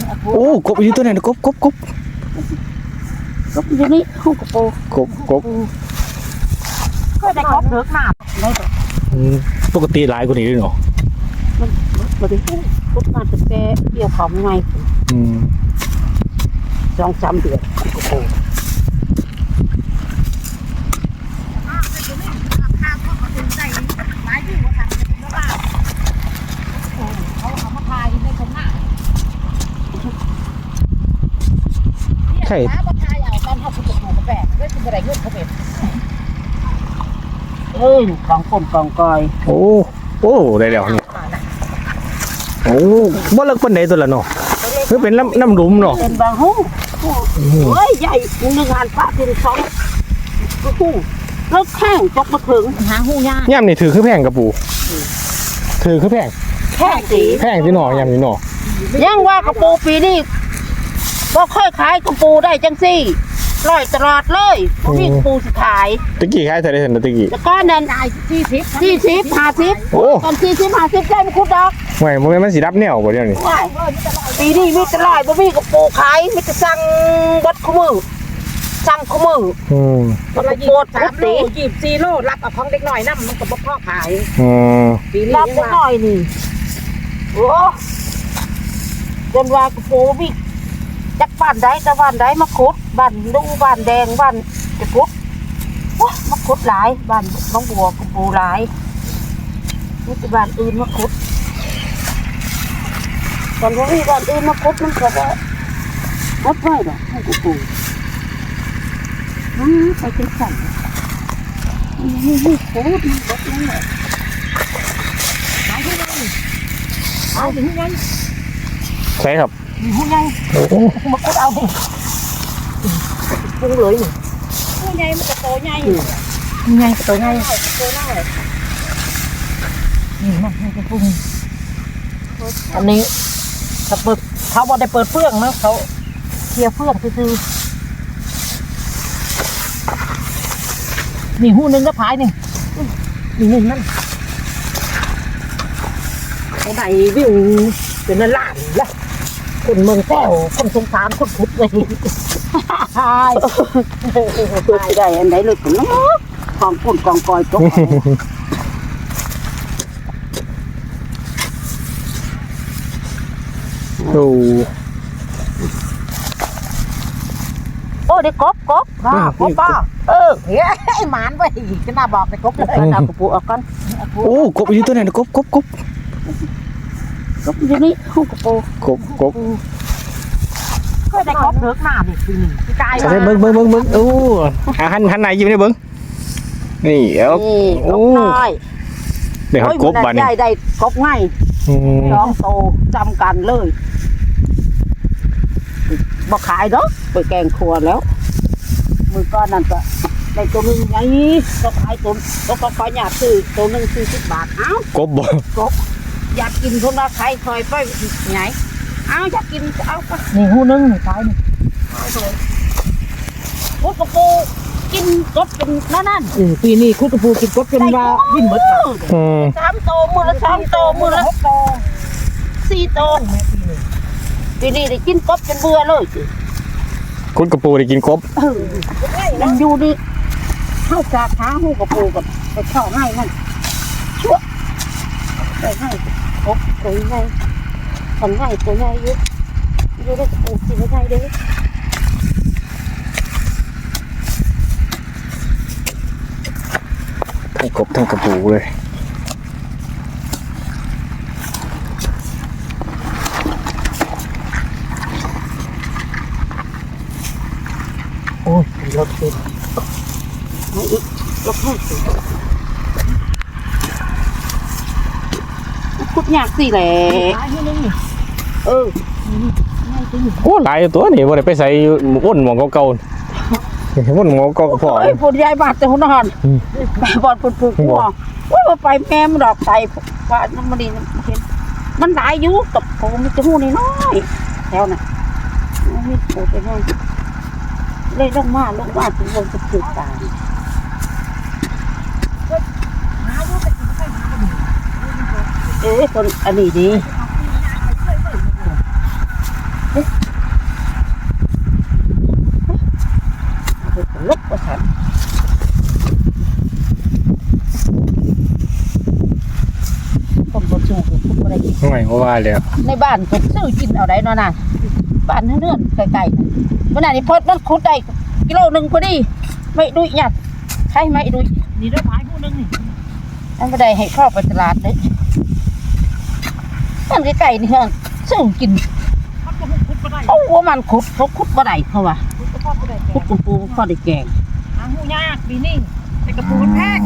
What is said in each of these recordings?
โอ้กบอยู่ตัวไหนกบอยู่นี่ห้องกระโปงกบก็ได้กบเลิกหนาได้ต่อปกติหลายกว่านี้ด้วยเนาะมันบริสุทธิ์กบมาตั้งแต่เกี่ยวของไง2-3 เดือนกระโปงใช่ของคนกองกอยโอ้ได้แล้วนี่โอ้บ่เลิกปานใดตัวละเนาะคือเป็นน้ำหลุมเนาะเป็นบางหูเฮ้ยใหญ่1,000 ปะเป็น2หูเลิกแข้งจกมาถึงหาหูยากย่ำนี่ถือคือแพงกระปูถือคือแพงแพงที่หน่อย่ำนี่หน่อยังว่ากระปูปีนี้บ่ค่อยขายกระปูได้จังซี่ร้อยตลอดเลยพี่กระปูสิขายตะกี้ขายเท่าไหร่ตะกี้แล้วก็นั่น40 50 โอ้ตอน40 50ได้มาคุดดอกไม่มันสิรับแนวบ่เดี๋ยวนี้ปีนี้มีแต่ร้อยบ่มีกระปูขายมีแต่สั่งบัดคู่มือสั่งคู่มือมันละ23 โล24 โลรับเอาของเด็กน้อยนำมันก็บ่พอขายปีนี้รับเด็กน้อยนี่โอ้จนว่ากระปูมีจักบ้านใดแต่บ้านใดมาขุดบ้านดูบ้านแดงบ้านจะขุดว้ามาขุดหลายบ้านน้องบัวกระปูหลายนี่คือบ้านอื่นมาขุดตอนนี้บ้านอื่นมาขุดมันก็ได้ขุดไว้หรอกให้กระปูไปเป็นสั่นนี่ขุดมันบดนั่นแหละขายที่ไหนเอาถึงไงใช่ครับหูใหญ่มาคุดเอาดิปุ้งเลยนี่หูใหญ่มันจะโตใหญ่ใหญ่ตัวใหญ่ตัวน้อยนี่มันให้ปุ้งอันนี้ถ้าเปิดเขาบอกได้เปิดเฟื่องนะเขาเคลียร์เฟื่องคือนี่หูนึงก็พายนี่นึงนั่นเขาได้วิวเป็นล้านแล้วคนเมืองแก้วคนสงสารคนพุทธเลยใช่ได้อันไหนเลยเนาะกองปุ่นกองกอยตกโอ้ได้กบป้าเฮ้ยหมานไว้จะน่าบอกไปกบเลยเอากระปุกเอาก่อนโอ้กบอยู่ตัวไหนกบอยู่นี่ห้องกระปูกบก็ได้กบเลิกหนาดิปีนี้พี่กายใช่เบิ้งโอ้หันไหนยิ้มได้เบิ้งนี่โอ้เดี๋ยวกบบ้านนี่ได้กบง่ายน้องโตจำกันเลยบอกขายเนาะไปแกงครัวแล้วมือก้อนนั่นก็ได้ตัวนึงไงก็ขายตัวก็ขอหยาดซื้อตัวนึง40 บาทเอ้ากบอยากกินคนละใครคอยไปไหนเอาอยากกินเอาไปนี่หูนึงขายนี่คุดกระปูกินกบเป็นนั่นปีนี้คุดกระปูกินกบเป็นว่าวิ่งหมด 3 โตมือละ2 โตมือละ6 โต4 โตปีนี้ได้กินกบจนเบื่อเลยคุดกระปูได้กินกบมันอยู่ดิเข้าจากหาหูกระปูกับไปเข้าง่ายมันชั่วไปง่ายกบตัวง่ายคนง่ายตัวง่ายเยอะได้กระปูกินง่ายเลยทั้งกบทั้งกระปูเลยโอ้ยรถติดไม่อีกรถแค่สิคุดยากสิแหละโอ้หลายตัวนี่บ่ได้ไปใส่อ้นหมองเก่าอ้นหมองเก่าก็พอพูดยายบาดแต่หัวนอนบอดพูดว่าว่าไปแม่มันดอกใส่ว่ามันดีเห็นมันหลายอยู่กับผมมันจะหูน้อยแถวน่ะไม่โผล่ไปให้เลยลงมาถึงลงจะถือตาคนอันนี้ดีลึกกว่าฉันคนบ่สู้คนบ่ได้กินไม่ก็ว่าแล้วในบ้านก็ซื้อกินเอาได้เนาะน่ะบ้านเฮือนไกลๆน่ะวันนั้นนี่พอมันขุดได้กิโลนึงพอดีไม่ดุยหยัดใช่ไหมดุยนี่เด้อพายผู้นึงนี่อันบ่ได้ให้เข้าไปตลาดเด้มันไกลๆนี่เฮือนซื้อกินมันก็ขุดบ่ได้โอ้ว่ามันขุดเขาขุดบ่ได้เขาว่าขุดก็พอบ่ได้ขุดปูปูพอได้แกงหาหูยากปีนี้แต่กระปูมันแพง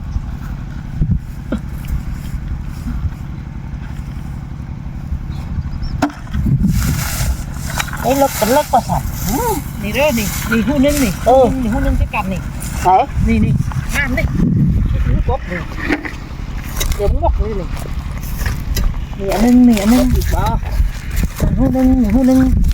ไอ้เลิกกันเลิกกว่าฉันนี่เด้อนี่หูนึงนี่นี่หูนึงจะกันนี่ใส่นี่งามนี่หูกบนี่เดี๋ยวมันบอกเลยนี่นี่อันนึงอีกบ่หูนึง